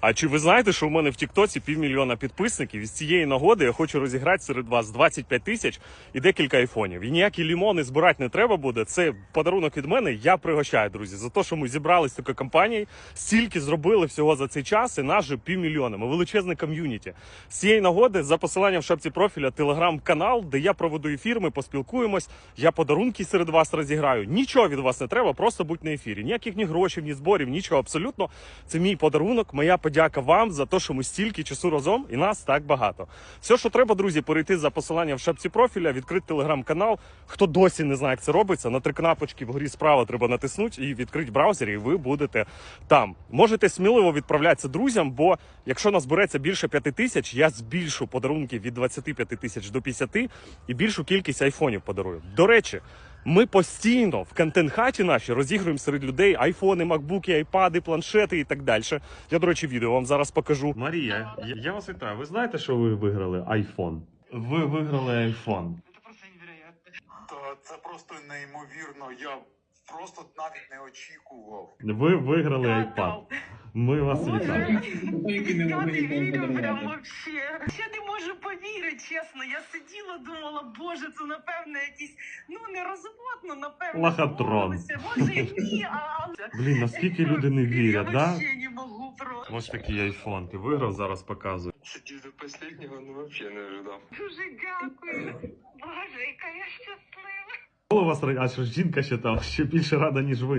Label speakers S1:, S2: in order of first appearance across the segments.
S1: А чи ви знаєте, що у мене в Тіктоці 500 000 підписників? І з цієї нагоди я хочу розіграти серед вас 25 тисяч і декілька айфонів. І ніякі лімони збирати не треба буде. Це подарунок від мене. Я пригощаю, друзі, за те, що ми зібрались з такою компанією, стільки зробили всього за цей час, і нас же 500 000. Ми величезне ком'юніті. З цієї нагоди за посиланням в шапці профіля телеграм-канал, де я проведу ефір, ми поспілкуємось, я подарунки серед вас розіграю. Нічого від вас не треба, просто будь на ефірі. Ніяких ні грошей, ні зборів, нічого абсолютно. Це мій подарунок, моя подяка вам за те, що ми стільки часу разом і нас так багато. Все, що треба, друзі, перейти за посиланням в шапці профіля, відкрити телеграм-канал. Хто досі не знає, як це робиться, на 3 кнопочки вгорі справа треба натиснути і відкрити браузер, і ви будете там. Можете сміливо відправлятися друзям, бо якщо нас збереться більше 5 тисяч, я збільшу подарунки від 25 тисяч до 50 і більшу кількість айфонів подарую. До речі, ми постійно в контент-хаті наші розігруємо серед людей айфони, макбуки, айпади, планшети і так далі. Я, до речі, відео вам зараз покажу. Марія, я вас вітаю. Ви знаєте, що ви виграли айфон? Ви виграли айфон.
S2: Це просто невероятно. Це просто неймовірно. Я просто навіть не очікував.
S1: Ви виграли айпад. Ми вас вітаємо.
S3: П'ятий відео прям вообще. Я не можу повірити, чесно. Я сиділа, думала, боже, це напевно якийсь, нерозумно, напевно.
S1: Лохотрон.
S3: Може ні,
S1: Блін, наскільки люди не вірять,
S3: я
S1: да?
S3: вообще не можу просто.
S1: Ось такий айфон. Ти виграв, зараз показую.
S2: Сидів до останнього, вообще не ожидав.
S3: Дуже дякую. Боже, яка я щаслива.
S1: Коли у вас а що жінка ще там ще більше рада, ніж ви.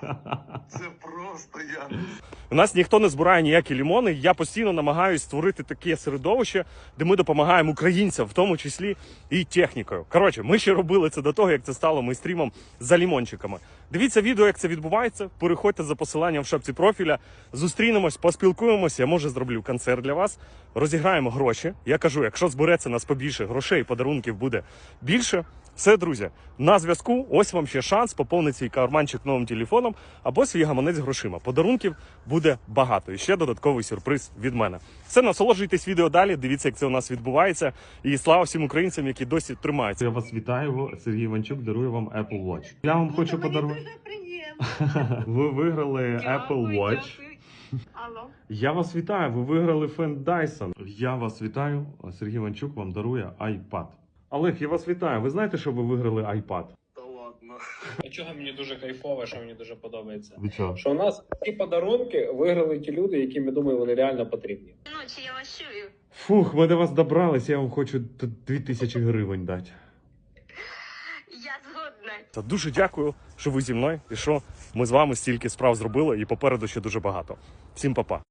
S2: Це просто я.
S1: У нас ніхто не збирає ніякі лімони. Я постійно намагаюся створити таке середовище, де ми допомагаємо українцям, в тому числі і технікою. Коротше, ми ще робили це до того, як це стало мейстрімом за лімончиками. Дивіться відео, як це відбувається. Переходьте за посиланням в шапці профіля. Зустрінемось, поспілкуємося. Я, може, зроблю концерт для вас. Розіграємо гроші. Я кажу, якщо збереться нас побільше грошей, подарунків буде більше. Все, друзі, на зв'язку. Ось вам ще шанс поповнити свій карманчик новим телефоном або свій гаманець грошима. Подарунків буде багато. І ще додатковий сюрприз від мене. Все, насолоджуйтесь відео далі, дивіться, як це у нас відбувається. І слава всім українцям, які досі тримаються. Я вас вітаю, Сергій Іванчук дарує вам Apple Watch. Я вам хочу подарувати.
S3: Дуже приємно.
S1: Ви виграли Apple Watch.
S3: Алло.
S1: Я вас вітаю, ви виграли фен Dyson. Я вас вітаю, Сергій Іванчук вам дарує iPad. Олег, я вас вітаю. Ви знаєте, що ви виграли iPad?
S2: Та ладно.
S4: Чого мені дуже кайфово, що мені дуже подобається.
S1: Ви чого?
S4: Що у нас ці подарунки виграли ті люди, яким, я думаю, вони реально потрібні.
S3: Ночі я вас чую.
S1: Фух, ми до вас добрались, я вам хочу 2000 гривень дати.
S3: Я згодна.
S1: Та дуже дякую, що ви зі мною і що ми з вами стільки справ зробили і попереду ще дуже багато. Всім па-па.